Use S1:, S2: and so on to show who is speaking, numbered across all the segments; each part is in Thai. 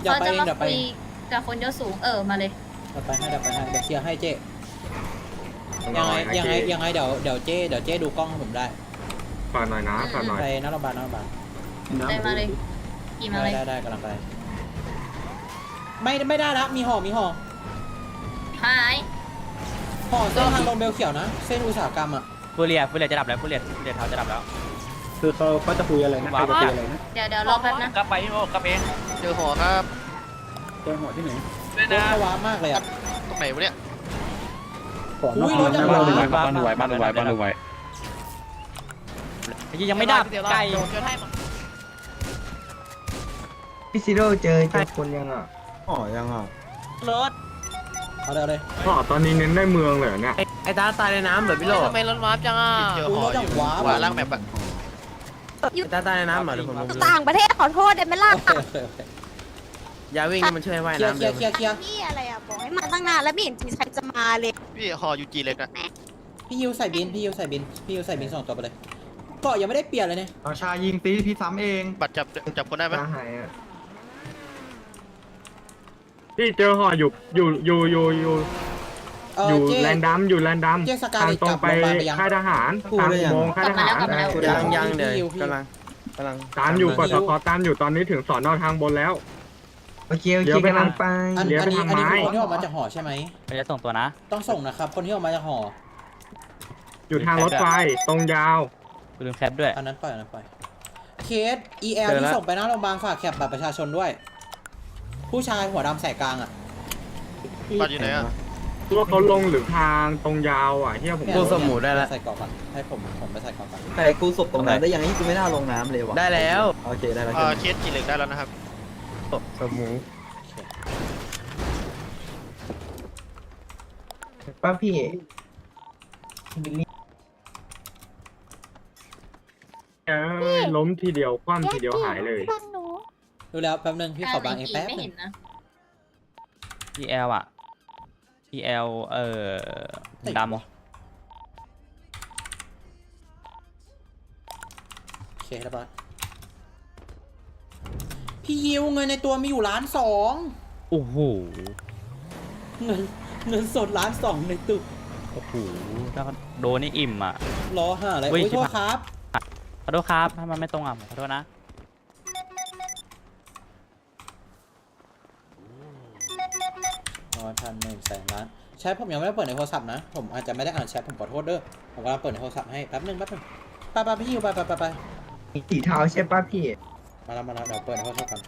S1: เดี๋ยว
S2: เขา
S1: ไป
S2: จะ
S1: เอง
S2: มา
S1: เดี๋ยวไป
S2: คุยกับคนยศสูงมาเลย
S1: เดี๋ยวไปให้เดี๋ยวเคลียร์ให้เจ๊ยังไงเดี๋ยวเจ๊ดูกล้องให้ผมได้
S3: ฝากหน่อยนะฝากหน่อย
S1: ไปหน้าโรงพยาบาล
S2: ได้มาเลยกี่มาเลย
S1: ได้กำลังไปไม่ได้ละมีห่อ
S2: หาย
S1: ห่อเส้นทางลงเบลเขียวนะเส้นอุตสาหกรรมอ่ะ
S4: ฟูเรียจะดับแล้วฟูเรียเท้าจะดับแล้ว
S5: คือเขาจะคุยอะไรนะใครจะคุยอะไรนะ
S2: เดี๋ยวรอแป๊บนะ
S4: กลับไปพี่โมกลับเอง
S6: เจอหัวครับ
S5: เจอหัวที่ไหน
S4: ด้วย
S1: รถ
S4: นะ
S1: เขาว้ามากเลยอ่ะ
S6: ตรงไหนวะเนี่ย
S5: ก่อน
S1: อุ้ย
S5: น
S1: ร
S5: อ
S1: ถ
S5: น
S1: จัง
S5: นะ
S1: หวะ
S4: ยังไม่ดับไก่
S7: พี่ซิโร่เจอคนยังอ่ะ
S5: อ๋อยังอ่ะ
S4: รถ
S1: เอาเลย
S3: ก็ตอนนี้เน้นได้เมืองเลยเนี่ย
S7: ไอ้ตาตายในน้ำเหรอพี่โล
S6: ทำไมรถวาร์ปจังอ่ะเจอ
S1: อุ้ย
S6: หั
S1: ร
S6: ว
S1: ถจังหวะ
S6: หัวล่างแบบอะ
S7: ตาตายในน้ำเหรอเดี๋ยวผมลง
S8: ต่างประเทศขอโทษได้ไหมล่ะ
S1: โอเค
S7: ยาวิ่งนี่มันช่วยว่าย
S1: เคลีย
S7: น้ำเลย
S1: ร์
S8: พี่อะไรอ่ะบอกให้มาตั้งนานแล้วไม่เห็นทีใครจะมาเลย
S6: พี่หอยูจีเล็กนะ
S1: พี่ยูใส่บิน2 ตัวไปเลยเกาะยังไม่ได้เปลี่ยนเลยเนี่ย
S5: เอาชายิงตีพี่ซ้ำเอง
S6: บัตรจับคนได้ไหม
S7: ตาหายอ่ะ
S3: ที่เจอห่ออยู่แลนดัมทางตรงไปค่ายทหารทางอุโมงค์ค่ายทหาร
S7: ยังเดี๋ยวกำลัง
S3: ตามอยู่กดสกอตามอยู่ตอนนี้ถึงสอนอทางบนแล้ว
S7: โอเคกำลังไป
S1: อัน
S3: เดี๋ยว
S1: นี้
S3: ไปทำไม้
S1: คนที่ออกมาจากหอใช่ไหม
S4: ไม่ได้ส่งตัวนะ
S1: ต้องส่งนะครับคนที่ออกมาจากหอ
S3: อยู่ทางรถไฟตรงยาว
S4: กูลืมแคปด้วย
S1: อันนั้นปล่อยเคส EL ที่ส่งไปหน้าโรงพยาบาลฝากแคปบัตรประชาชนด้วย ผู้ชายหัวดำแสกกลางอ่ะ
S6: บัตรอยู่ไหนอ่ะ
S3: ว่าเขาลงหรือทางตรงยาวอ่ะที่ผม
S7: กูสมูได้แล้ว
S1: ใส่กรอบก่อนให้ผมไปใส่กรอบก่อน
S7: แต่กูศพตรงนั้นได้ยังไงกูไม่น่าลงน้ำเลยวะได้แล้วโอเคได้แล้ว
S6: เคสจีเล็กได้แล้วนะครับ
S7: สมู
S9: ป้าพี่
S3: ล้มทีเดียวคว่ำทีเดียวหายเลย
S1: ดูแล้วแป๊บนึงพี่ขอบางเองแป๊บ
S2: ไม่
S1: นึ
S2: เห็
S1: ง
S2: นนะ
S4: EL อ่ะ EL ดำ
S1: โอเคแล้วปะพี่ยิวเงินในตัวมีอยู่1,200,000
S4: โอ้โห
S1: เงินสด1,200,000ในตึก
S4: โอ้โหถ้าโดนนี่อิ่มอ่ะ
S1: รอหาอะไร
S4: เฮ้ย
S1: โอ้ยโทษครับ
S4: ขอโทษครับถ้ามันไม่ตรงอ่ะขอโทษนะ
S1: 1,100,000,000,000,000แชทผมยังไม่ได้เปิดในโทรศัพท์นะผมอาจจะไม่ได้อ่านแชทผมขอโทษเด้อผมกำลังเปิดในโทรศัพท์ให้แป๊บนึงไปพี่ยิวไป
S9: สีเทาใช่ป้าพี่
S1: มาแล้วเดี๋ยวเปิดในโทรศัพท์กัน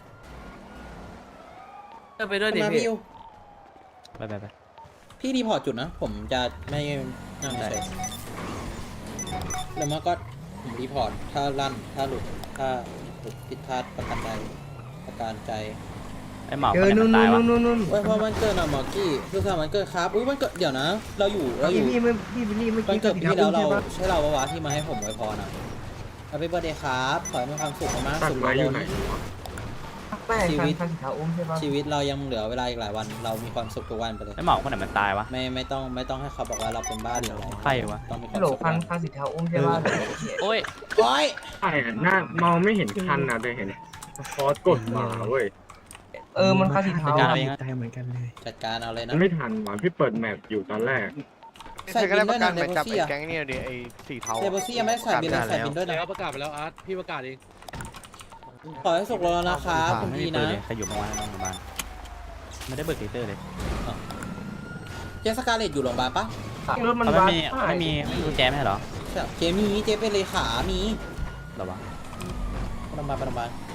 S7: ไปด้วยดิ
S1: มา
S7: พี่
S1: พี่ยิว
S4: ไป
S1: พี่รีพอร์ตจุดนะผมจะไม่นั่งเฉยแล้วมันก็ผมรีพอร์ตถ้าลั่นถ้าหลุดผิดพลาดประการใจ
S4: ไอ้หมอ
S7: เจ
S4: ค
S7: อน
S4: ไหน
S7: นู่
S4: มัน นตายวะ
S7: นู่น
S1: เว้ยพอมันเกิดอะหมอกี้คือสามวันเกิดครับอุ้ยมันเกิดเดี๋ยวนะ เราอยู่
S7: พี่บิลลี่เมื่อ
S1: วัน
S7: กี้
S1: เกิดปีที่แล้วเรา
S7: ใช่ปะ
S1: ใช่เราปะวะที่มาให้ผมไว้พรนะเอาไปเบอร์เดย์ครับขอให้มีความสุขมาก
S3: ตัด
S1: สุข
S3: ไม้อยู่ไหน
S9: แป้งคันสีเทาอุ้มใช่ปะ
S1: ชีวิตเรายังเหลือเวลาอีกหลายวันเรามีความสุขทุกวันไปเลย
S4: ไอ้หมอคนไหนมันตายวะ
S1: ไม่ต้องให้เขาบอกว่าเราเป็นบ้าหรืออะไร
S4: ใครวะ
S1: ต้องมีควา
S9: ฮั
S1: ม
S9: ลโหล
S1: สุข
S9: คันสีเทาอุ้มใช่ปะ
S4: โอ้ย
S1: โอ้ย
S3: ใช่หน้ามองไม่เห็นคันนะแต่เห็นฟอสกดมาเว้ย
S9: มันคันสีเทา
S4: จัดการเองนะ
S5: เหมือนกันเลย
S1: จัดการเอาเลย
S3: มั
S1: นะ
S3: นไม่ทันว่ะพี่เปิดแมปอยู่ตอนแรก
S1: ใส่
S6: ใครก็
S1: บิ
S6: ได้
S1: น
S6: ป
S1: ด้วย
S6: ระกั
S1: นะ
S6: น
S1: เด
S6: ไป
S1: โบ
S6: จับ
S1: ซี่
S6: ไอ้
S1: อะ
S6: แก๊งเนี่ยดิไอ้สีเทา
S1: เดโบซี่ยังไม่ได้ใส่บินเลยใส่บินด้วยนะ
S5: แล้วประกาศไปแล้วอาร์ตพี่ประกาศเอง
S1: ขอให้สุขแล้วนะครับคุณ
S4: ไม่
S1: พี
S4: มีปื
S1: นะ
S4: นเลยใครอยู่เมื่อวานในโรงพยาบาลไม่ได้เบิกเตอร์เลย
S1: เจสกาเลตอยู่โรงพยาบาลปะ
S9: รถมัน
S4: เขา
S9: วัด
S4: ไม่มีกุญแจไม่ใช่เหรอ
S1: ใช่เจมีเจเป็นเลขามี
S4: หรอวะ
S1: ไปโรงพยาบาล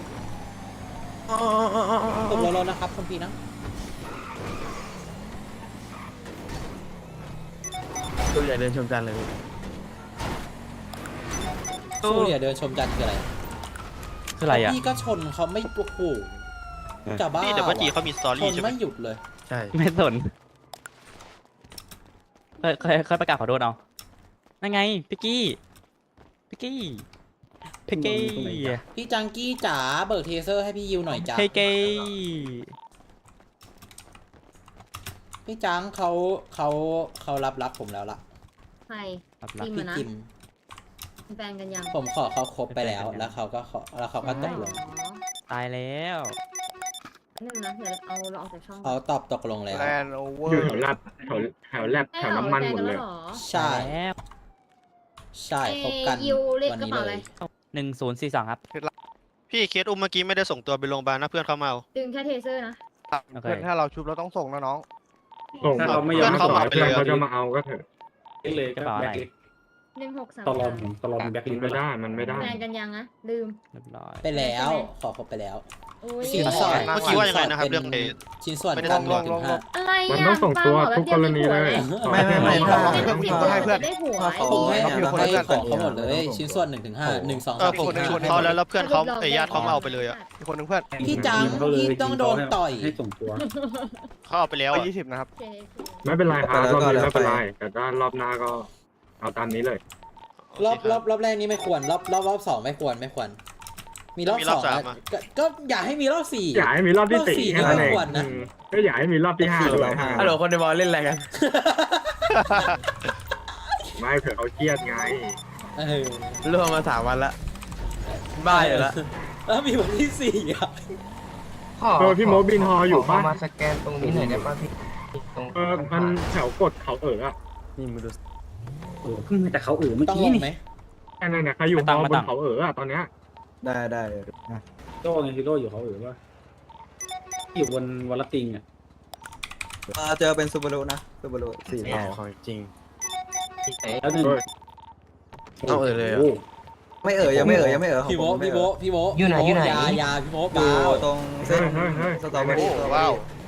S1: สุขแล้วนะครับคุณพีนะ
S7: ตัวใหญ่เดินชมกันเลย
S1: สู้อย่าเดินชมจันทร์คืออะไร
S4: คืออะไรอ่ะ
S1: พี่ก็ชนเขาไม่โอ้โหจะบ้า
S6: พี่เดี๋ยวป้าจีเขามีสตอ
S1: ช
S6: รี่
S1: น
S6: ใช่ไหม
S1: ไม่หยุดเลย
S7: ใช่
S4: ไม่สนเคยประกาศขอโทษเอานั่นไงพิกกี้
S1: พี่จังกี้จ๋าเบิกเทเซอร์ให้พี่ยิวหน่อยจ้า
S4: เฮ้ยเกย์
S1: พี่จังเขารับผมแล้วล่ะ
S2: ใคร
S4: รับ
S2: จริง
S1: พี่
S2: นะ
S1: จิม
S2: เป็นแฟนกันยัง
S1: ผมขอเขาครบไปแล้วแล้วเขาก็ตกลง
S2: อ๋อ
S4: ตายแล้ว
S2: นึงนะเดี๋ยวเราออกจากช่อง
S1: เขาตอบตกลงแล้ว
S6: แลนด์โอเวอ
S3: อยู่
S6: ร์
S3: แถวแลบแถวน้ำมันหมดเลย
S1: ใช่
S4: แล้ว
S1: ใช่พบกัน
S2: ยูเรียก
S1: วัน
S2: กระ
S1: นี้
S2: เป๋า
S1: เล
S2: อะไร
S1: ย
S4: 1042ครับ
S6: พี่เคสอุ้มเมื่อกี้ไม่ได้ส่งตัวไปโรงพยาบาลนะเพื่อนเขามาเอา
S2: ดึงแค่เทเซอร์นะ
S4: โอเค
S6: เพื่อนถ้าเราชุบเราต้องส่งนะน้อง
S3: ส่ง
S6: ถ้า
S3: เขา
S6: เราไม่
S3: ไม่
S6: ย
S3: ย
S6: อ
S3: อ
S6: ม
S3: ม
S6: เข้า
S3: ส่ง
S6: มาไป
S3: เพื่อน
S6: เลย
S3: เขาจะมาเอาก็เถอะ
S4: กระเป๋าอะไร
S2: 1633
S3: มันไม่ได้
S2: แฟนกันยังนะลืม
S4: เรียบร้อย
S1: ไปแล้ว ขอครบไปแล้ว
S2: โอ้ย
S1: สินสอด
S6: เมื่อกี้ว่ายังไงนะครับเรื่อง
S1: ป็
S6: เอ
S1: ชิ้นส่วน
S6: ไม่ได้
S1: การ
S6: ล
S1: 1
S6: ง
S1: ถึง 5
S2: อะไร
S3: มัน
S2: อ่ะ
S3: ต้องส่งตัวทุกกรณีเลย
S7: ไม่
S2: ถ้า
S7: ถ้า
S2: เป็น10ตัว
S6: ให้เพื่อน
S2: จะได้หัว
S7: ถ้าเขา
S1: ผมให้
S7: เนี่ย
S1: ให้ของเขาหมดเลย ชิ้นส่วน1 ถึง 5 1 2
S6: เออ
S1: 3
S6: ผม
S1: 4
S6: ชวนเขาแล้วเพื่อนเขาไอ้ญาติเขามาเอาไปเลยอ่ะมีคนนึงเพื่อน
S1: 5พี่จังพี่ต้องโดนต่อย
S6: เขาเอาไปแล้ว20นะครับ
S2: โอเค
S3: ไม่เป็นไรครับรอบนี้ไม่เป็นไรแต่ถ้ารอบหน้าก็เอาตามนี้เลย
S1: รอบแรกนี้ไม่ควรรอบ 2 ไม่ควร มีรอบ
S6: มี
S1: 2
S6: รอบสาม
S1: อะ
S6: อะ
S1: ก็อย่าให้มีรอบ 4
S3: อยากให้มีรอบที่
S1: รอบสี่
S3: 4แค่นั้นเอง
S1: ไม่ควรนะ
S3: ก็อยากให้มีรอบที่5ด้วย
S7: ฮัลโหลคนในบอลเล่นอะไรกัน
S3: ไม่เผื่อเขาเครียดไง
S7: รวมมา3 วันละบ้าอยู่ละ
S1: แล้วมีวันที่ 4 อ่ะ
S3: พี่โมบินฮออยู่ปะ
S9: มาสแกนตรงนี้หน่อยได้ป่ะพี่ตรง
S3: มันแถวกดเขาอะ
S7: นี่มึงดู
S1: ต้องลงไหม
S3: แค่นั้นเนี่ยใครอยู่ฮอบนเขาอะตอนเนี้ย
S7: ได้
S5: โต้ไงฮีโร่อยู่เขาว่าอยู่บนวอลติงอ่ะ
S7: เจอเป็นซูบารุนะซูบารุ4เท่า
S6: ของจริง
S5: แล้วหนึ่ง
S6: เอาเลย
S7: ไม่ยังไม่ยังไม่ของ
S1: พี่โบ
S7: ผมไม่
S1: พี่โบ
S9: อยู่ไหนอยู่ไหน
S1: ยาพี่โบ
S7: อ
S1: เบา
S7: ยู่ตรงเส้นสตรอเบอรี่
S6: ว้าว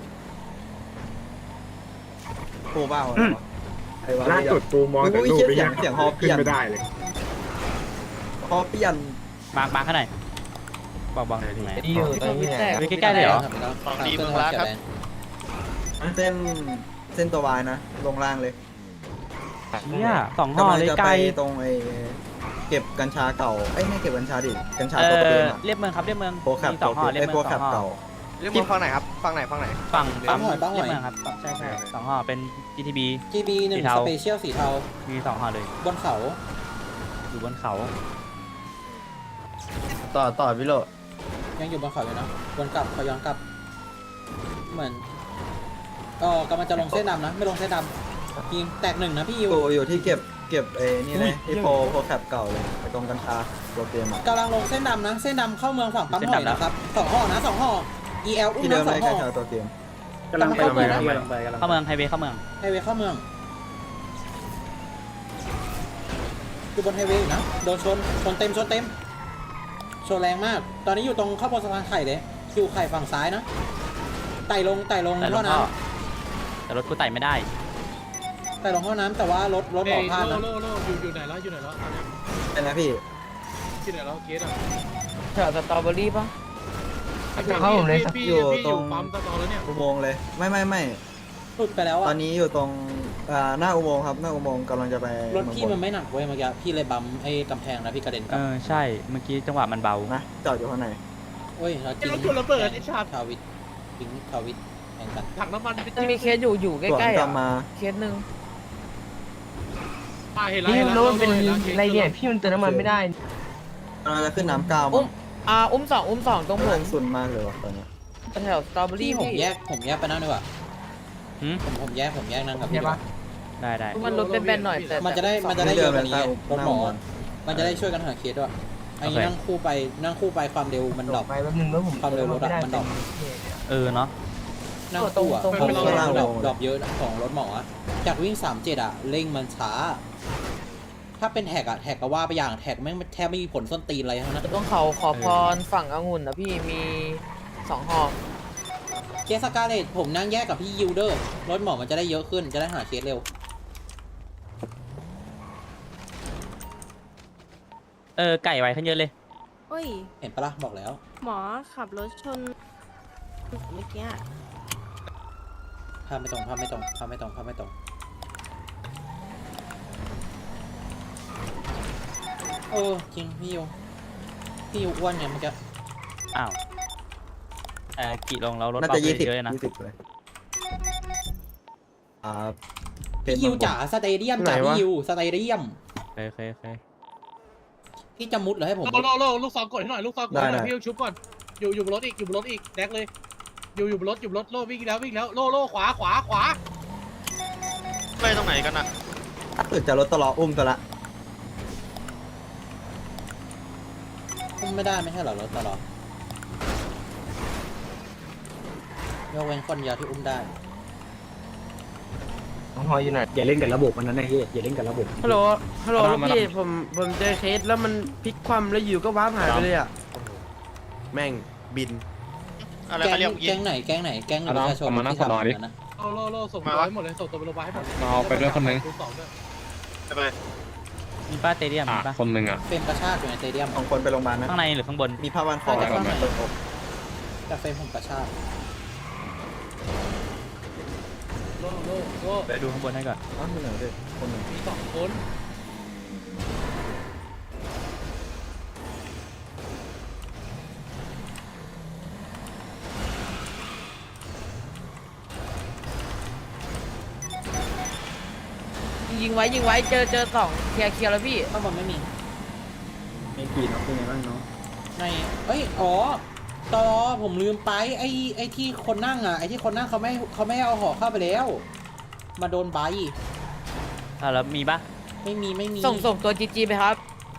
S7: โคบ้า
S3: ล่าสุดกูมองแต่รูปไปยัง
S7: เสียงฮอเปลี่
S3: ขึ้น
S7: ยน
S3: ไม่ได้เลย
S7: ฮอเปลี่ยน
S4: มาข้างในบอกหน่อยตรงไหน
S9: ที่อยู่ตรงนี้ไหน
S4: ใกล้ๆเลยเหรอ
S6: ของดีเมืองล้าครับ
S7: เส้นตัววายนะลงล่างเลย
S4: เนี่ย2 ห่อก
S7: ำลัง
S4: เลย
S7: จะ
S4: ไก
S7: ไป
S4: ล
S7: ตรงไอ้เก็บกัญชาเก่าไม่เก็บกัญชาดิกัญชา
S4: เอ
S7: ตัวเดิ
S4: อ
S7: มอะ
S4: เรียบเมืองครับเรียบเมือง
S7: โปรแคป
S4: มี2 ห่อเรียบ
S7: ไอ้
S4: เมื
S7: โปร
S4: อง
S7: แคป
S4: 2 ห่อ
S7: เก่า
S6: เรียกมาฝั่งไหนครับฝั่งไหน
S4: ฝั่ง
S1: ปั๊มหอย
S4: เรียบเมืองครับใช่2 ห่อเป็น GTB
S1: GB 1
S4: สีเทา
S1: สเปเชียลสีเทา
S4: มี2 ห่อเลย
S1: บนเขา
S4: อยู่บนเขา
S7: ต่อพี่โล
S1: ยังอยู่บนเขาอยู่นะวนกลับเขาย้อนกลับ เหมือนกำลังจะลงเส้นดำนะ ไม่ลงเส้นดำยิงแตก 1 นะพี่ยิว
S7: อยู่ที่เก็บไอ้นี่เลยที่โปรแคปเก่าเลยไปตรงกัญชาตัวเตรียมอะ
S1: กำลังลงเส้นดำนะ เส้นดำเข้าเมืองฝั่งปั๊มหอยนะครับ2 ห่อนะ2 ห่อ EL อุ้ม
S7: ที่เดิ
S1: นะ
S7: มเลย
S1: 2 ห่
S7: กั
S1: อ
S7: ญชาตัวเตรียม
S5: กำลังไป
S1: เข้าเมืองนะ
S4: เข้าเมืองไฮเวย์เข้าเมือง
S1: ไฮเวย์เข้าเมืองอยู่บนไฮเวย์อยู่นะโดนชนเต็มชนแรงมาก ตอนนี้อยู่ตรงข้าวบนสะพานไข่เลยอยู่ไข่ฝั่งซ้ายนะไต่ลง
S4: แต่ล
S1: ท่อง น้
S4: ท่อแต่รถกูไต่ไม่ได้
S1: ำไต่ลงท่อน้ำแต่ว่ารถหมอพลาดนะ
S5: อยู่ไหนแล้ว
S7: เป็นนะพี่
S5: ที่ไหนแล้วเกสอ่ะ
S9: แถวสตรอเบอรี่ป่ะเข้าผมเลย
S7: อยู่ตรง
S5: ปั๊มตะตอแล้วเนี่ย
S7: อุโมงค์เลยไม่
S1: หลุดไปแล้ว
S7: ต
S1: อ่ะ
S7: อนนี้อยู่ตรงหน้าอุโมงค์ครับหน้าอุโมงค์กำลังจะไป
S1: รถพี่มันไม่หนักเว้ยเมื่อกี้พี่เลยบัมไอ้กำแพงนะพี่กระเด็นก
S4: เอ
S1: ลับ
S4: อใช่เมื่อกี้จังหวะมันเบา
S7: นะจอดอยู่ข้างใน
S1: โอ้ยเราจริง
S5: รถชนระเบิดไอ้ชาติ
S1: ทาวิททิ้งทาวิทแข่งกัน
S5: ถังน้ำมัน
S9: มันมีเคสอยู่ใก
S7: ส่วน
S9: ล้ๆ
S7: กลั
S9: อ่ะ
S7: บมา
S9: เคสหนึ่ง
S5: เห็น
S9: พี่
S5: แล้ว
S9: รู้มันเป็นอะไรเนี่ยพี่มันเติมน้ำมันไม่ได้
S7: กำลังจะขึ้นน้ำก้าว
S9: อุ้
S7: มั้
S9: ม
S7: ง
S9: อุ้มสองตรงผม
S7: สุดมากเลยว่ะตอนเนี้ย
S9: แถวสตรอเบอ
S1: พี่
S9: รี่
S1: ผม
S9: พี่
S1: แยกไปนั่งดีกว่า
S4: หืม
S1: ผมแยกนั่งกับพี่
S9: ใช่
S1: ดีก
S9: ปะ
S1: ว่า
S4: ได้
S9: มันลดเป็นแบนหน่อยแต่
S1: มันจะได้เยอะกว่านี้รถหมอ มันจะได้ช่วยกันหาเคสด้วยอันนี้
S4: โอเค
S1: นั่งคู่ไปความเร็วมันดรอป
S9: ไปแป๊บนึงแล้วผม
S1: ความเร็วรถอะมันดรอป
S4: เออเนาะ
S1: นั่งคู่อะ
S9: ตรง
S1: ความเร็ว
S7: ตรง
S1: มันดรอปเยอะนะของรถหมออะจากวิ่ง37อะเร่งมันช้า ถ้าเป็นแท็กอะแท็กก็ว่าไปอย่างแท็กแม่งแทบไม่มีผลส้นตีนอะไรทั้งนั้น
S9: ต้องเขาขอพรฝั่งองุ่นนะพี่มี2 ห่อ
S1: เคสสกาเลตผมนั่งแยกกับพี่ยิวเดอร์รถหมอมันจะได้เยอะขึ้นจะได้หาเคสเร็ว
S4: ไก่ไวขึ้นเยอะเลย
S8: โอ้ย
S1: เห็นปะล่ะบอกแล้ว
S8: หมอขับรถชนเมื่อกี้
S1: ภาพไม่ตรงจริงพี่ยิวอ้วนเนี่ยเมื่อกี้
S4: อ้าวกี่ลงแล้วรถ
S7: น่า
S4: เบา
S7: จะ
S4: ไปเยอะเลยนะ
S7: 20เลย
S1: พี่ยิวจ๋าสเตเดียมจ๋าพี่ยิวสเตเดียม
S4: โอเค
S1: พี่จะมุดเหรอให้ผม
S5: โลลูกซองกดให้หน่อยลูกซองกดให้หน่อยพี่ชุบก่อนอยู่บนรถอีกแดกเลยอยู่บนรถโล่วิ่งแล้วโล่ขวา
S6: ไปตรงไหนกันอ่ะ
S7: ถ้าเกิดจะรถตลออุ้มตัวละ
S1: อุ้มไม่ได้ไม่ใช่เหรอรถตลอดยกเว้นคนเดียวที่อุ้มได้
S9: น้องฮอยอยู่ไหน
S5: อย่าเล่นกับระบบมันนั้นนะเฮ้ยอย่าเล่นกับระบบ
S9: ฮัลโหลลูกพี่ผมเจอเคสแล้วมันพลิกคว่ำแล้วอยู่ก็ว้าร์ปหายไปเลยอ่ะแม่งบิน
S6: อะไร
S1: แก๊
S6: เขา
S1: ง
S6: เรียกยิ
S1: แก๊
S6: ง
S1: งไหนแก๊งไหนแก๊งประชาชนที่ทำอย่างนั้นนะ
S5: โล่ส่งตัวให้หมดเลยส่งตัวไปโรงพยาบาลให้หมด
S3: เอาไปด้วยคนนึง
S6: ไป
S4: มีป้าเตเดียมมีป้า
S3: คนนึงอ่ะ
S1: เฟรมกระชากอยู่ในสเตเดียม
S7: ของคนไปโรงพยาบาลนะ
S4: ข้างในหรือข้างบน
S7: มีผ้าพันคอ
S1: น่าจะ
S7: กับ
S1: ข้างใน
S7: เปิดอก
S1: แต่เฟรมผมกระชาก
S5: โล่
S4: ไปดูข้างบนให้ก่อน
S7: อ้าวมีไหนด้วยคนหนึ่ง
S5: มี2 คน
S9: ยิงไว้เจอสองเคลียร์แล้วพี่
S1: ข้างบนไม่มี
S5: ไม่กี่น้องเป็นไงบ้างน้อง
S1: ในอ๋อตอผมลืมไปไอ้ที่คนนั่งอ่ะไอ้ที่คนนั่งเขาไม่เอาห่อเข้าไปแล้ว มาโดนใบ
S4: แล้วมีป่ะ
S1: ไม่มี
S9: ส่งตัวจีไปครับ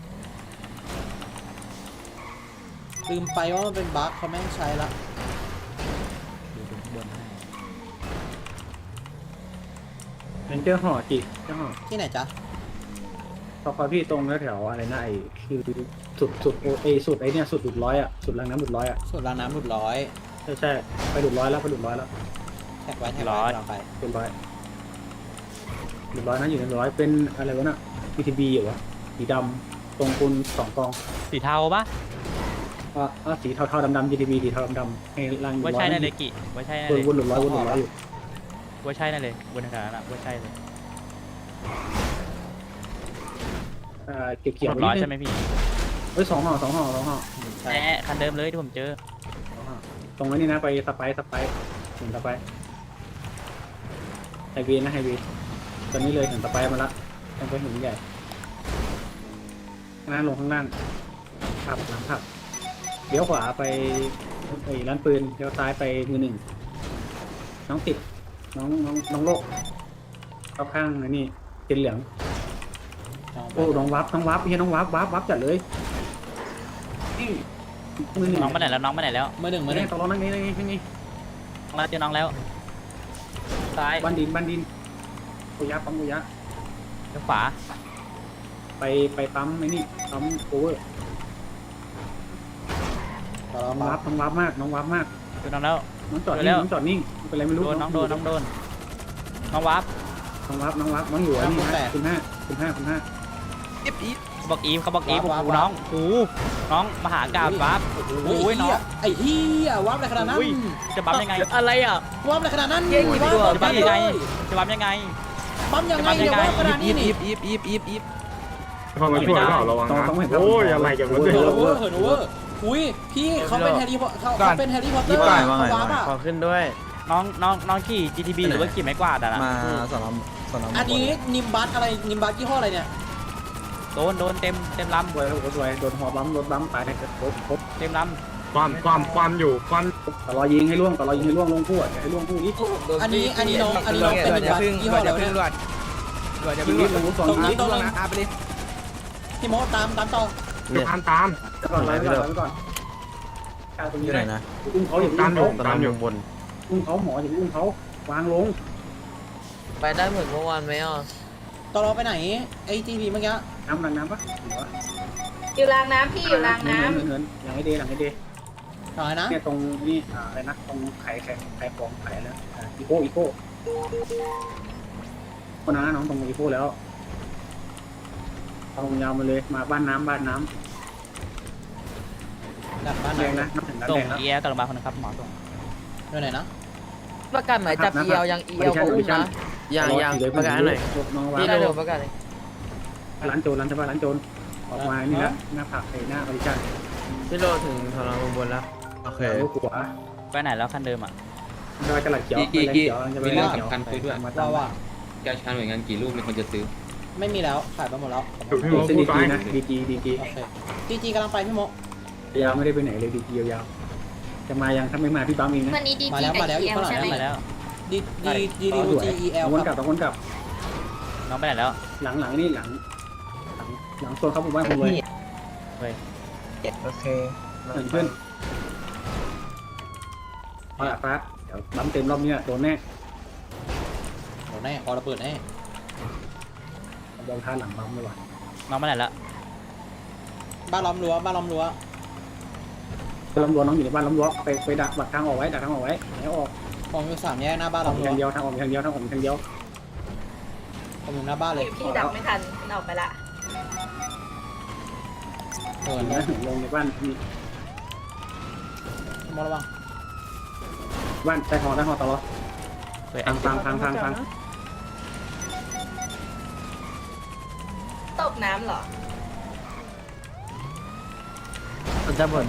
S1: ลืมไปว่ามันเป็นบั๊กเขาไม่ให้ใช้ละ
S4: ดูข้างบนให้
S5: เป็นเจ้าห่อจิเจ้าห่อ
S1: ที่ไหนจ๊ะ
S5: พอพี่ตรงแถวอะไรนะไอ้คือสุดสุดไอ้เนี่ยสุดหลุดร้อยอ่ะสุดรางน้ำหลุดร้อยอ่ะ
S1: สูตรรางน้ำหลุดร้อย
S5: ใช่ไปหลุดร้อยแล้ว
S1: แท็กไว้ลองไป
S5: เป็นร้อยหลุดร้อยนะอยู่ในร้อยเป็นอะไรวะน่ะ PTB อยู่วะสีดำตรงปูน2 กอง
S4: สีเทาป่ะ
S5: สีเทาๆดำๆ GTB สีเทาดำๆให้ล่างอยู่
S4: ว่า
S5: ร้อ
S4: ใช่
S5: ย
S4: นั่นเลยกี่ว่าใช่นั่น
S5: ว
S4: เลย
S5: นหลุดร้อยอยู่
S4: ว่าใช่นั่นเลยบนขนาดนั้นว่าใช่เลย
S5: เกี่ยว
S4: เรียบร้อยใช่ไหมพี่
S5: เฮ้ย2 ห่อ
S1: ใช่
S4: คันเดิมเลยที่ผมเจอ
S5: ตรงนี้นะไปสไปเห็นสไปไฮเวย์นะไฮเวย์ตอนนี้เลยเห็นสไปมาละต้องไปเห็นใหญ่หน้าลงข้างล่างขับหลังขับเลี้ยวขวาไปไอ้ร้านปืนเลี้ยวซ้ายไปมือหนึ่งน้องติดน้องโลกเข้าข้างไอ้นี่เป็นเหลืองโอ้น้องวับเฮียน้องวับจัดเลยนี่มือหนึ่ง
S4: น้องไปไหนแล้วน้องไปไหนแล้ว
S1: มือหนึ่ง
S5: ตกลงนั่งนี่
S4: เราเจอน้องแล้วซ้าย
S5: บ้านดินกุยะปั๊มกุยะ
S4: ขวา
S5: ไปปั๊มไอ้นี่ปั๊มโอเวอร์น้องวับมาก
S4: เจอน้องแล้ว
S5: น้องจอดนิ่งน้องจอดนิ่งเป็นไรไม่รู้
S4: โดนน้องวับ
S5: น้องอยู่อันนี้นะคุณห้า
S4: เขาบอกอีฟน้องน้องมหากาบวับ
S1: โอ้ยน้องไอ้เหี้ยวับอะไรขนาดนั้น
S4: จะบัฟยังไง
S9: อะไรอ่ะ
S1: วับอะไรขนาดนั้น
S4: จะบัฟยังไงจะบัฟยังไง
S1: ปั๊มยังไงเนี่ยวับขนาดนี้นี่
S9: อีฟ
S3: พอมาช่วยเปล่าระวังนะโอ้ยอะไรอย่างนั้นเลย
S1: เหินโอเวอร์อุ้ยพี่เขาเป็นแฮร์รี่พอตเขาเป็นแฮร์รี่พอตเตอร์เขาวับอ่ะ
S9: ขอขึ้นด้วย
S4: น้องขี่ GTB หรือว่าขี่ไม้กวาดอ่ะนะ
S7: มาสนาม
S1: อันนี้นิมบัสอะไรนิมบัสยี่ห้ออะไรเนี่ย
S4: โดนเต็มลำ
S5: สวยโดนหัวบั๊มรถบั๊มตายในกระทบ
S4: เต็มล
S3: ความอยู่ความ
S5: ต่อรอยิงให้ล่วงลงคู่ให้ล่วงคู่นี้
S1: อันนี้น้องเป็นนิมบัสยี่ห้ออะไรเนี่ย
S5: ยิงนิดลงสอง
S1: ตรง
S5: นั
S1: นี้
S5: ด
S1: ตรงนึงพี่โมตามต่อ
S3: ตาม
S5: ก่อนไล่ไปก่อนตรง
S7: อ
S5: นี้
S7: ยู่ไหน
S5: เลย
S7: นะ
S5: อุ้มเขาอย่า
S3: ตามอยู่
S5: อุ้มเขาหมออย่าอุ้มเขาวางลง
S9: ไปได้เหมือนเมื่อวานไหมอ่ะ
S1: ต่อรอไปไหนไอ้จีพีเมื่อกี้
S5: น้ำปะ
S2: อยู่รางน้ำพี่อยู่รางน้ำ
S5: เหินหลังไอเดย์
S1: หน่อยนะ
S5: เนี่ยตรงนี่อะไรนะตรงไข่ของไข่แล้วอีโก้คนนั้นน้องตรงอีโก้แล้วเอายาวมาเลยมาบ้านน้ำ
S1: ดับบ้าน
S5: แดง
S1: ไหน
S5: นะน้ำถึง
S4: ำส่
S5: แด
S4: ง
S5: งแล้ว
S4: เอียกับโรงพยาบาลคนนึงครับหมอส่ง
S1: อยู่ไหนนะ
S9: ประกาศหมายจับเอียวยังเอียวก็อุ้มนะยังประกาศหน่อย
S5: น้องว่า
S9: พี่ได้ดูประกาศเลย
S5: ร้านโจรออกมานี่แล้วหน้าผักหน้าบริจาค
S9: พี่โลถึงทรมานบนแล้ว
S7: โอเค
S5: ลูกหัว
S4: ไปไหนแล้วคันเดิมอ่ะ
S5: ดอยกระหลัดเขียวจะไปเรื่องสำคัญคุยด้วยมา
S1: ว่า
S10: แกชาหน่วยงานกี่รูปมีคนจะซื้อ
S1: ไม่มีแล้วขายไปหมดแล้ว
S3: พี่โม
S5: ดี
S3: พูดไป
S5: นะดี
S1: โอเคจีกำลังไปพี่โม
S5: ยาวไม่ได้ไปไหนเลยดียาวจะมายังถ้าไม่มาพี่บัมเองนะ
S2: วันนี้ดี
S1: มา
S2: จี
S1: แล้ว
S2: กับ
S1: มาแล้ว
S2: เอ
S1: อยู่
S2: ล
S1: ข้างหลัง
S2: ใช่ไหม
S4: มาแล้ว
S1: ดีดีดีดีจีเอล
S5: วน
S1: ค
S5: กลั
S1: รั
S5: บบ วนกลับ
S4: น้องไปไหนแล้ว
S5: หลังนี่หลังโซนเขาผมว่าผมเลย
S7: โอเค
S5: เหมือนเพื่อนเอาละฟ้าเดี๋ยวบัมเต็มรอบนี้โดนแน่
S1: โดนแน่คอระเบิดแน่
S5: โดนท่าหลังบัมเลยว่ะ
S4: น้องไปไหนแล้ว
S1: บ้านล้อมรั้วบ้านล้อมรั้ว
S5: ลำรั้วน้องอยู่ในบ้านลำรั้วไปดักทางออกไว้แล้วออก
S1: ผมอยู่3 แยกหน้าบ้าน
S5: ออ
S1: ล้อก มรั้ว
S5: ทางเดียวทางออกทางเดียวทางออกทางเดียว
S1: ผมอยู่หน้าบ้านเลย
S2: พี่ดับไม่ทันออกไปละ
S1: เหิน
S5: ลงในบ้านมี
S1: มองระวัง
S5: บ้านใต้หอตลอด
S4: เฮ้ย
S5: ทาง
S2: ตกน้ำเหรอ
S9: จะบ่น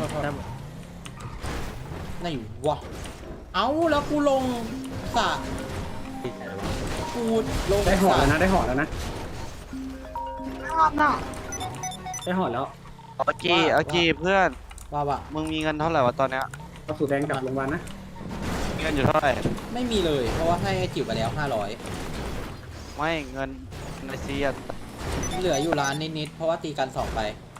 S1: ไหนวะเอ้าแล้วกูลงสระกูลง
S5: ได้หอ
S1: สระ
S5: แล้วนะได้หอแล้ว
S11: เอาจีเพื่อน
S1: ว่า
S11: มึงมีเงินเท่าไหร่วะตอนเนี้ย
S5: ก็สูแดงกับโรงพยาบาลนะ
S11: มีเงินอยู่เท่าไหร่
S1: ไม่มีเลยเพราะว่าให้ไอ้จิ๋วไปแล้ว500
S11: ไม่เงินในซีอะ
S1: เหลืออยู่ร้านนิดๆเพราะว่าตีกัน2ไป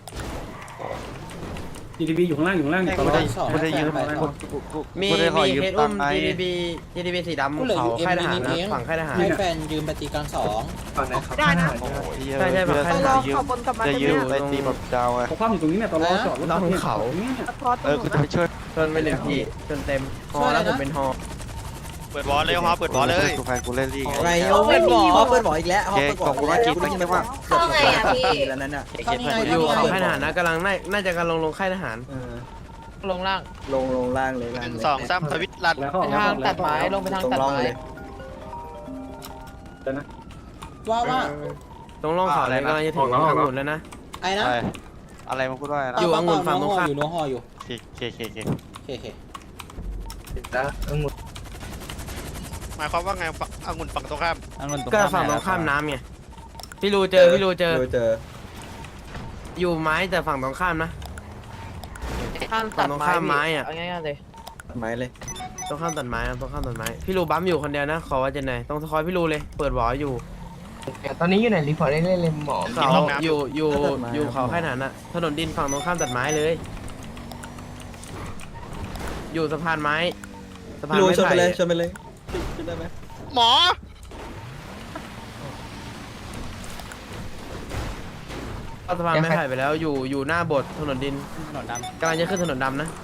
S5: GDP อยู่ข้างล่างตลอด
S11: กูจะยืม
S9: มี
S11: กูจะขอยืม
S9: เคส
S11: ตั
S9: อุ้
S11: ง
S9: ม
S11: ค์ไง
S9: GDB สีดำ
S1: กูเหลือ
S9: เขา
S1: อยู่
S9: ค่ายทหาร
S1: เอ็มนิดเอง
S9: นะฝั่งค่ายทหาร
S1: ให้แฟนยืมไปตีกัน2
S8: ได้นะ
S9: ใช่ฝั่งค่ายทหาร
S11: ยืม
S8: ขอบนกลับมา
S11: จะ
S8: ได้
S11: ยืม
S8: ไหม
S11: ไปตีแบบดาวไง
S5: เขาคว่ำอยู่ตรงนี้เนี่ยตลอดจอดรถเนี่ยเขาเนี่ย
S8: พอตรง
S11: กูจะไปช่วย
S9: ชนไปหนึ่งทีจนเต็มฮอแล้วผมเป็นฮอ
S6: เปิดวอลเลยฮอเปิดวอลเลย
S11: กูแฟนกูเล่นลีก
S7: ไงเอาเปิดหมอเปิดหมออีกแล้ว
S11: โอเคขอบคุณมากกินไม่ว่า
S2: เข้าไงอ่ะพี่
S7: แล้วนั่นน่ะ
S1: เข้านี่ไง
S9: อยู่
S1: เข้า
S9: เขา
S1: นี่ไง
S9: ค่ายทหารนะกำลังน่าจะกำลังลงค่ายทหาร
S4: ลงล่าง
S7: ลงล่างเลย
S6: 1 2 3ทวิตรัน
S5: แล้วเขาทางตัดไม้ลงไปทาง
S7: ตัดไม้เลย
S5: แล้วนะ
S1: ว่า
S9: ตรงร่องเขาเลยกำลังจะถึงทางหมุนแล้วนะ
S1: ไอ้นะ
S11: อะไรมาพูดว่าอะไร
S9: อยู่องุ่นฝั่งตรงข้าม
S1: อยู่นัวฮออยู่
S11: เค
S1: เค
S6: หมายความว่าไงองุ่นฝั่งตรงข้าม
S9: ก็ฝั่งตรงข้ามน้ำไงพี่รูเจอ
S7: เจอ
S9: อยู่ไม้แต่ฝั่งตรงข้ามนะ
S8: ข้าม
S9: ฝั่
S8: ตั
S9: ง
S8: ด
S9: ตรง
S8: ไม้
S9: ข้ามไม้อะ
S8: เอาง่ายๆเลย
S7: ไม้เลย
S9: ตรงข้ามตัดไม้นะตรงข้ามตัดไม้พี่รูบัมอยู่คนเดียวนะขอว่าจะไหนต้องคอยพี่รูเลยเปิดหวออยู่
S8: ตอนนี้อยู่ไหนรีพอร์ตได้เลยหมอ
S9: เขาอยู่เขาค่ายทหารน่ะถนนดินฝั่งตรงข้ามตัดไม้เลย อยู่สะพานไม้สะพาน
S7: ลุย
S9: ไม้
S7: ชนไป
S9: ไผ่
S7: เลยชนไปเลยชนได้ไหม
S6: หมอ
S9: เข้าสะพานไม้ไผ่ไปแล้วอยู่หน้าโบสถ์ถนนดิน
S4: ถนนด
S9: กำลังจะขึ้นถนนดำนะ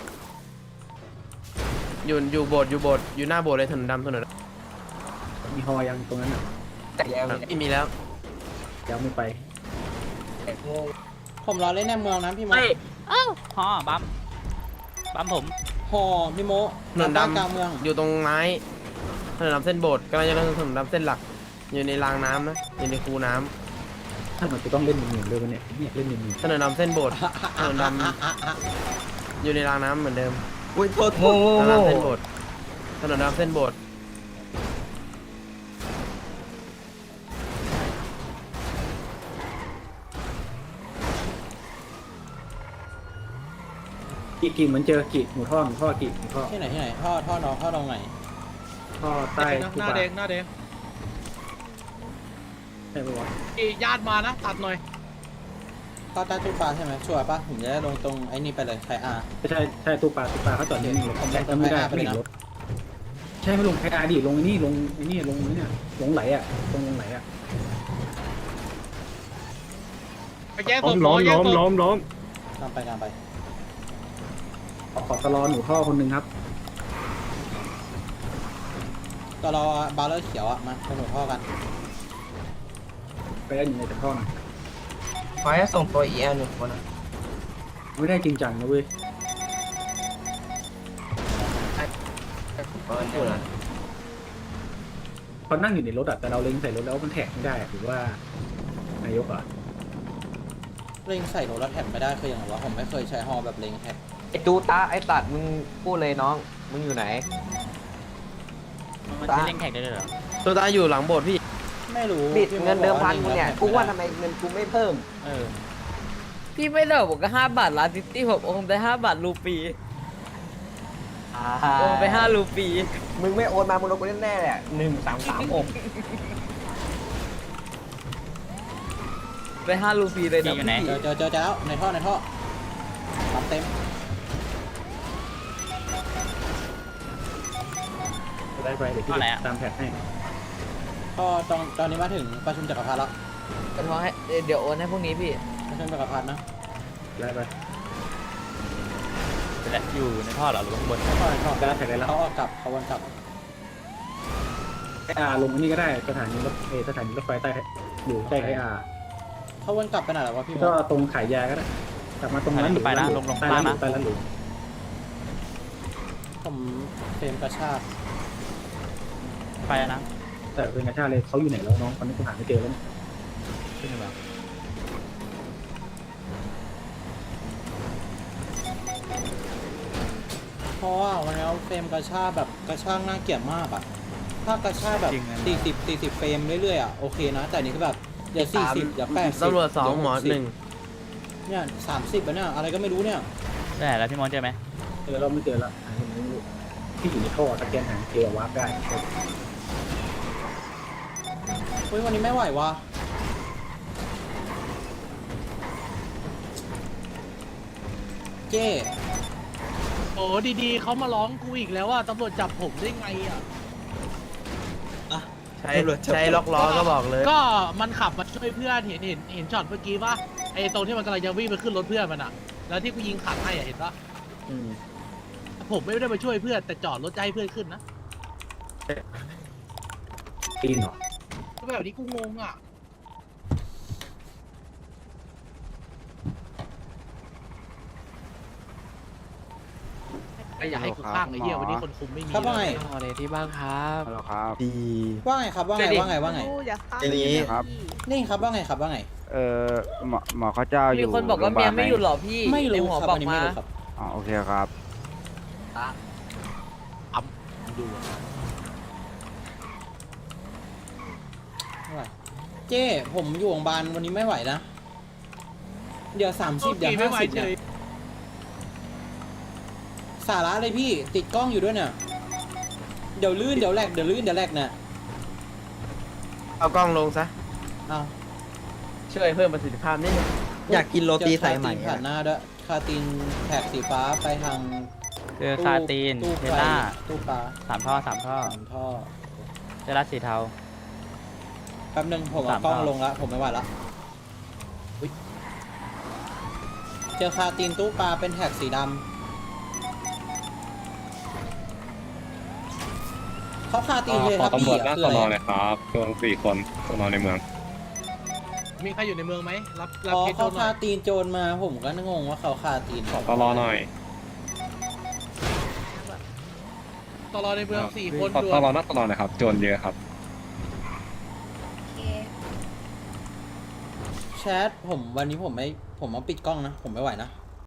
S9: อยู่โบสถ์อยู่หน้าโบสถ์เลยถนนดำถนนด
S5: มีฮอยังตรงนั้นอ่ะ
S9: ำไม่มีแล้ว
S5: ยังไม่ไป
S1: ผมรอเล่นในเมืองนะพี่โม
S4: ำฮอบัมผม
S1: ฮอพี่โม
S9: ถนน
S1: บ้าน
S9: ดำ
S1: กลางเมือง
S9: อยู่ตรงไม้ถนนดำเส้นโบสถ์กำลังจะลงถนนดำเส้นหลัก อยู่ในรางน้ำนะอยู่ในคูน้ำ
S5: ถ้ามันจะต้องเล่นหนึ่งเลยวันเนี่ยเล่นหนึ่ง
S9: ถนนดำเส้นโบสถ์ถนนดำอยู่ในรางน้ำเหมือนเดิม
S7: อุ้ยโทษ
S9: ถนนดำเส้นโบสถ์ถนนดำเส้นโบสถ์
S5: กี่เหมือนเจอกี่หมูท่อกี่หมูท่อ
S1: ที่ไหนท่อน้องท่อตรงไหน
S5: ท่อใต้
S6: หน้าแดงหน้าแดง
S5: ใช่ปะวะ
S6: ญาติมานะตัดหน่อย
S1: ท่อใต้ตู้ปลาใช่ไหมชัวร์ป่ะผมจะได้ลงตรงไอ้นี่ไปเลยไทอาร์
S5: ใช่ตู้ปลาเขาจอดนิ่งๆเลยไม่ได้ไม่เห็นรถใช่ไม่ลงใครอาดิลงนี่ลงนี่ลงนี่ลงไหลอ่ะตรงลงไหลอ่ะ
S6: ไปแย่งศ
S3: ล้
S6: พ
S3: ม
S6: หมอแย่งศพ
S3: ล้ม
S1: กลางไป
S5: ขอตลอหนูท่อคนหนึ่งครับ
S1: ก็รอบาร์เลอร์เขียวอะมาสนุกท่อกัน
S5: ไปได้อยู่ในแต่ท่อนะ
S8: ขอให้ส่งตัว EL หนึ่งคนนะ
S5: ไม่ได้จริงจังนะเว้ยเขานั่งอยู่ในรถอ่ะแต่เราเล็งใส่รถแล้วมันแท็กไม่ได้หรือว่านายกอ่ะ
S1: เล็งใส่รถแล้วแท็บไม่ได้คืออย่างไรวะผมไม่เคยใช้ฮอแบบเล็งแท็บ
S8: ไอจูตาไอตัดมึงพูดเลยน้องมึงอยู่ไหน
S4: มันจะเล่นแข่งได้เลยเหรอ
S9: ตัวตาอยู่หลังโบสถ์พี่
S1: ไม่รู้
S8: บิด
S1: พี่โ
S8: เงินเดิมพัน
S1: บ
S8: กู
S1: อ
S8: เนี่ย
S1: ล็ง
S8: กูว่า
S1: แท็
S8: ทำ
S1: บ
S8: ไมเงินกูไม่เพิ่ม
S1: เออ
S8: พี่ไม่เลิกผมก็5 บาทล้านซิตี้ผมคงได้5 บาทรูปี
S9: โอนไป5 รูปี
S5: มึงไม่โอนมามึงโดนกูแน่ๆแหละ1336
S9: ไป5 รูปีเลยนะ
S4: อยู่ไหน
S9: พี่
S1: เจอแล้วในท่อรับเต็ม
S5: ได้ไปเดี๋ยวพี่ตามแพทให้
S1: ก็ตอนนี้มาถึงประชุมจักรพรรดิแล้ว
S9: กันว่าให้เดี๋ยวโอนให้พวกนี้พี่
S1: ประชุมจักรพรรดินะ
S5: ได้ไป
S4: อยู่ในท่อเหรอหรือว่าข้างบน
S1: ท่อในท่อ
S5: ได้แท็กได้แล้ว
S1: เขาเอากลับเขาวนกลับ
S5: ลงอันนี้ก็ได้สถานีรถไฟใต้อยู่ใกล้ไออาร์
S1: เขาวนกลับไปไหนแล้ววะพี่ม
S5: ก็
S1: ด
S5: ตรงขายยาก็ได้กลับมาตรงนั้นหรือ
S4: ไปนะลง
S5: ใต้
S4: ล่า
S5: ร้าง นห
S4: นะ
S5: รือใต้ร้านหรือ
S1: ผมเฟรมกระชาก
S4: ไปแล้วนะ
S5: แต่เป็นกระชาเลยเขาอยู่ไหนแล้วน้องตอนนี้กูหาไม่เจอแล้ว
S4: ขึ้นมา
S1: เพราะว่าวันนี้เฟรมกระชากแบบกระชากน่าเกลียดมากอะถ้ากระชากแบบ40เฟรมเรื่อยๆอะโอเคนะแต่นี่คือแบบเดี๋ยว40เดี๋ยว80
S9: ตำรวจ2 หมอ 1
S1: เนี่ย30แล้วเนี่ยอะไรก็ไม่รู้เนี่ย
S4: ได้แล้วพี่มอนเจอไหม
S5: เจอเราไม่เจอแล้วที่อยู่ในท่อสแกนหาเจอวาร์ปได้
S1: เฮ้ยวันนี้ไม่ไหววะเจ้
S11: โอ้ดีๆเขามาร้องกูอีกแล้วว่าตำรวจจับผมได้ไงอ่ะ
S9: ใช้ล็อกล้อก็บอกเลย
S11: ก็มันขับมาช่วยเพื่อนเห็นช็อตเมื่อกี้ป่ะไอ้ตรงที่มันกำลังจะวิ่งไปขึ้นรถเพื่อนมันอ่ะ แล้วที่กูยิงขัดให้อ่ะเห็นป่ะผมไม่ได้มาช่วยเพื่อนแต่จอดรถจะให้เพื่อนขึ้นนะ
S5: ปีนเหรอ
S11: ก็แบบนี้กูงงอ่ะอยากให้กูข้างไอ้เหี้ยวันนี้คนคุมไม่มี
S1: ครับว่าไง
S9: อะไรที่บ้างครับ
S11: ฮัลโหลครับ
S1: ว่าไงครับว่าไง
S8: อย่าฆ่า
S7: ทีนี้
S11: ครับ
S1: นี่ครับว่าไงครับว่าไง
S11: หมอเขาเจ้าอยู่
S9: มีคนบอกว่าเมียไม่อยู่หรอพี่
S1: ไม่
S9: ใน
S1: รู้
S9: หัว
S1: ครับ
S9: บอ
S1: อั
S9: ก
S1: นนี้
S9: มา
S1: ไม่รู้ครับ
S11: อ๋อโอเคครับ
S1: ดูไม่ไหวเจ้ผมอยู่โรงพยาบาลวันนี้ไม่ไหวนะเดี๋ยว30เดี๋ยว50เนี่ยสาระเลยพี่ติดกล้องอยู่ด้วยเนี่ยเดี๋ยวลื่นเดี๋ยวแหลกเนี่ย
S9: เอากล้องลงซะ
S1: เอา
S9: ช่วยเพิ่มประสิทธิภาพนิดนึง
S7: อยากกินโรตีสายไหม
S1: เจอคาตีนผ่านหน้าด้วยคาตีนแถบสีฟ้าไปทาง
S4: เจอคาตีน
S1: ตู้
S4: เท
S1: ไฟ
S4: ล่า
S1: ตู้ปลา
S4: 3 ท่อ 3 ท่อ
S1: สามท่อ
S4: เจอรัดสีเทา
S1: แป๊บนึงผมเอา
S4: สาม
S1: กล้อง
S4: ท่อ
S1: ลงแล้วผมไม่ไหวละอุ๊ยเจอคาตีนตู้ปลาเป็นแท็กสีดำเขาคาตีนเลยครับพี่คืออะไร
S10: ครับรวม4 คนสนในเมือง
S11: มีใครอยู่ในเมืองไหมรับ
S1: อ๋อ
S11: เคส
S1: เขา
S11: โจรหน่
S1: คา
S11: อย
S1: ตีนโจรมาผมก็งงว่าเขาคาตีน
S10: ตลอหน่อย
S11: ตลอดในเมือง4 คน
S10: ตลอนักตลอนะครับ โจรเยอะครับ
S2: โอเค
S1: แชทผมวันนี้ผมมาปิดกล้องนะผมไม่ไหวนะ